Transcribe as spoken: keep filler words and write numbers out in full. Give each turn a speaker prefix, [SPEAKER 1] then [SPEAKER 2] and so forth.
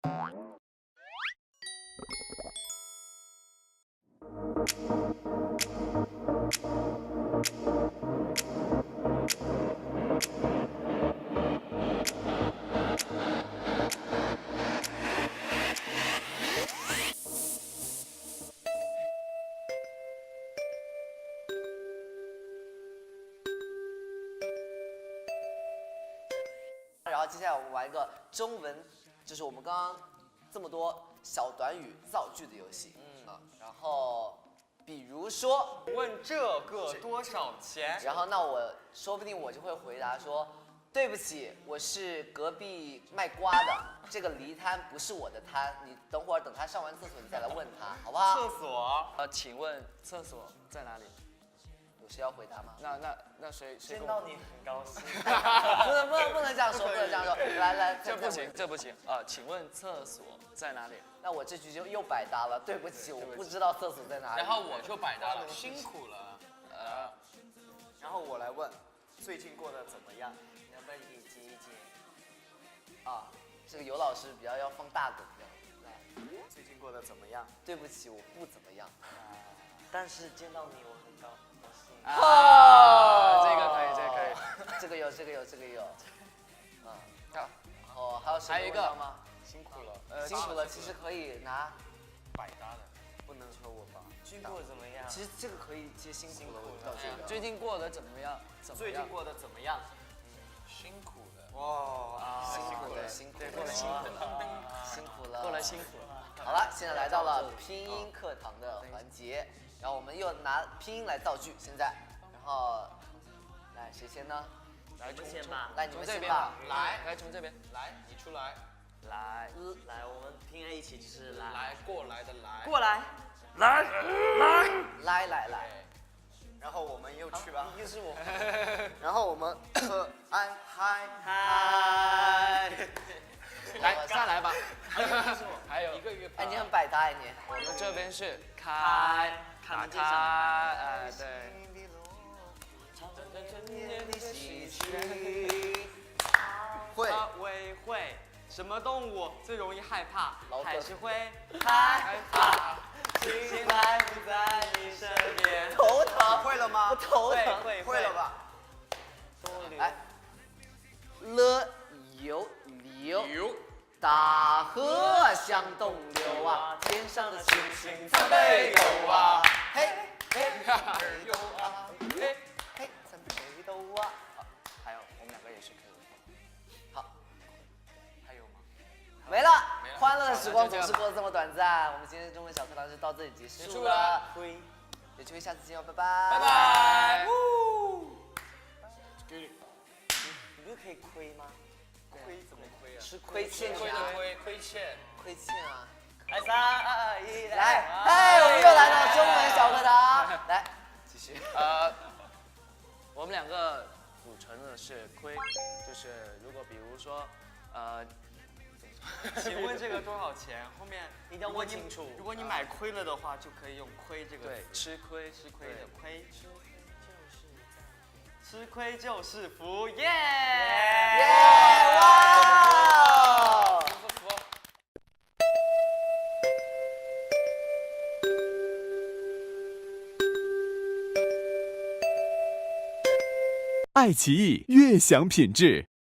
[SPEAKER 1] 然后接下来我们玩一个中文，就是我们刚刚这么多小短语造句的游戏。嗯啊，然后比如说
[SPEAKER 2] 问这个多少钱？
[SPEAKER 1] 然后那我说不定我就会回答说，对不起，我是隔壁卖瓜的，这个离摊不是我的摊，你等会儿等他上完厕所你再来问他，好不好？
[SPEAKER 2] 厕所。
[SPEAKER 3] 呃，请问厕所在哪里？
[SPEAKER 1] 有谁要回答吗？
[SPEAKER 3] 那那那谁谁
[SPEAKER 2] 见到你很高兴。
[SPEAKER 1] 不能不能不能这样说，不能这样说。来来，
[SPEAKER 3] 这不行，这不行啊！请问厕所在哪里？
[SPEAKER 1] 那我这局就又百搭了，对不起，我不知道厕所在哪里。
[SPEAKER 4] 然后我就百搭了，辛苦了。
[SPEAKER 3] 呃，
[SPEAKER 2] 然后我来问，最近过得怎么样？你要不要一起接一接？
[SPEAKER 1] 啊，这个尤老师比较要放大梗的。来，
[SPEAKER 2] 最近过得怎么样？
[SPEAKER 1] 对不起，我不怎么样。
[SPEAKER 2] 但是见到你我很高兴。
[SPEAKER 3] 啊，这个可以，这个可以。
[SPEAKER 1] 这个有，这个有，这个有。嗯，
[SPEAKER 3] 好，
[SPEAKER 1] 然后还有谁
[SPEAKER 3] 还有一个
[SPEAKER 1] 问到吗？
[SPEAKER 2] 辛苦了。
[SPEAKER 3] 呃，
[SPEAKER 1] 辛苦了，其实可以拿。
[SPEAKER 4] 百搭的，
[SPEAKER 2] 不能说我吧。最近过得怎么样？
[SPEAKER 1] 其实这个可以接辛苦了，我到这个。
[SPEAKER 3] 最近过得怎么样？怎么样？
[SPEAKER 2] 最近过得怎么样？
[SPEAKER 4] 辛苦了。
[SPEAKER 2] 哇，
[SPEAKER 1] 辛苦了，辛苦了，
[SPEAKER 3] 过了辛苦
[SPEAKER 1] 了，辛苦了，
[SPEAKER 3] 过了辛苦了。
[SPEAKER 1] 好了，现在来到了拼音课堂的环节，然后我们又拿拼音来造句。现在，然后来谁先呢？
[SPEAKER 3] 来，
[SPEAKER 2] 你们先吧。
[SPEAKER 1] 来你
[SPEAKER 3] 从
[SPEAKER 1] 们先吧
[SPEAKER 3] 这边吧。。
[SPEAKER 4] 来
[SPEAKER 3] 来，从这边。
[SPEAKER 4] 来，你出来。
[SPEAKER 3] 来，
[SPEAKER 2] 来，我们拼在一起就是来。
[SPEAKER 4] 来，过来的来。
[SPEAKER 2] 过来。
[SPEAKER 3] 来，来。
[SPEAKER 1] 来来来，
[SPEAKER 2] 然后我们又去吧。
[SPEAKER 1] 又是我。
[SPEAKER 2] 然后我们可爱嗨
[SPEAKER 1] 嗨。
[SPEAKER 3] 来，再来吧。还有
[SPEAKER 4] 一个月。
[SPEAKER 1] 哎，你很百搭哎你。
[SPEAKER 3] 我们这边是开，
[SPEAKER 2] 开门见
[SPEAKER 3] 开，
[SPEAKER 2] 山
[SPEAKER 3] 哎，对。
[SPEAKER 2] 会会会，什么动物最容易害怕？
[SPEAKER 1] 老梗
[SPEAKER 2] 还是会害怕。醒来不在你身边。
[SPEAKER 1] 头疼，
[SPEAKER 2] 会了吗？
[SPEAKER 1] 我头疼。
[SPEAKER 2] 会会了吧？
[SPEAKER 1] 来，了有流，
[SPEAKER 4] 有。
[SPEAKER 1] 大河向东流啊，天上的星星参北斗啊，嘿嘿北斗啊，嘿嘿参北斗啊。好，
[SPEAKER 3] 还有我们两个也是可以。
[SPEAKER 1] 好，
[SPEAKER 4] 还有吗？
[SPEAKER 1] 没了。
[SPEAKER 4] 没了
[SPEAKER 1] 欢乐的时光总是过得这么短暂，我们今天的中文小课堂就到这里结束
[SPEAKER 4] 结束
[SPEAKER 1] 了
[SPEAKER 4] 了。
[SPEAKER 2] 会。
[SPEAKER 1] 有机会下次见哦，拜拜。
[SPEAKER 4] 拜拜。
[SPEAKER 2] 你不是可以亏吗？亏怎么亏啊？
[SPEAKER 1] 吃亏欠
[SPEAKER 4] 亏
[SPEAKER 1] 啊，
[SPEAKER 4] 的亏，亏欠。
[SPEAKER 1] 亏欠啊。
[SPEAKER 2] 来三二一，
[SPEAKER 1] 来，哎，我们又来到中文小课堂，来继续。
[SPEAKER 3] 呃，我们两个组成的是亏，就是如果比如说，呃，
[SPEAKER 2] 请问这个多少钱？后面
[SPEAKER 1] 一定要问清楚。
[SPEAKER 2] 如果你买亏了的话，就可以用亏这个
[SPEAKER 3] 对，
[SPEAKER 2] 词。
[SPEAKER 3] 吃亏，
[SPEAKER 2] 吃亏的
[SPEAKER 3] 对
[SPEAKER 2] 亏。吃亏就是福，耶！
[SPEAKER 1] 耶！哇！
[SPEAKER 5] 爱奇艺悦享品质。